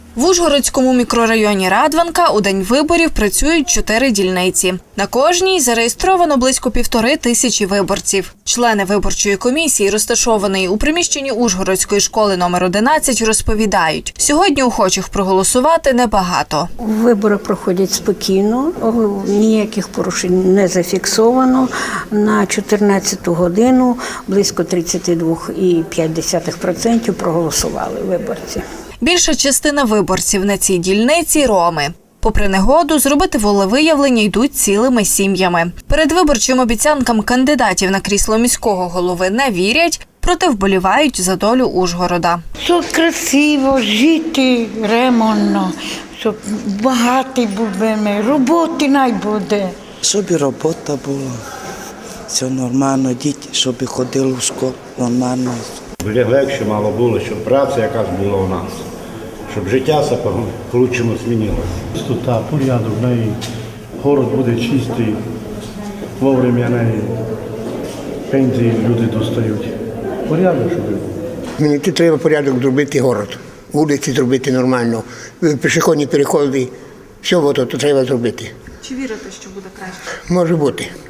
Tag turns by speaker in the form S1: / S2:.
S1: В Ужгородському мікрорайоні Радванка у день виборів працюють 4 дільниці. На кожній зареєстровано близько 1500 виборців. Члени виборчої комісії, розташованої у приміщенні Ужгородської школи номер 11, розповідають, сьогодні охочих проголосувати небагато.
S2: Вибори проходять спокійно, ніяких порушень не зафіксовано. На 14-ту годину близько 32,5% проголосували виборці.
S1: Більша частина виборців на цій дільниці – роми. Попри негоду, зробити волевиявлення йдуть цілими сім'ями. Передвиборчим обіцянкам кандидатів на крісло міського голови не вірять, проте вболівають за долю Ужгорода.
S3: Щоб красиво жити, ремонтно, щоб багатий будемо, роботи не буде.
S4: Щоб і робота була, все нормально, діти, щоб ходили в школу нормально.
S5: Легше мало було, щоб праця якась була у нас, щоб життя все по-кручому змінилося.
S6: Чистота, порядок, город буде чистий, вовремя пенсії люди достають. Порядок, щоб був.
S7: Мені тут треба порядок зробити город, вулиці зробити нормально, пішохідні переходи, все то треба зробити.
S1: Чи вірите, що буде краще?
S7: Може бути.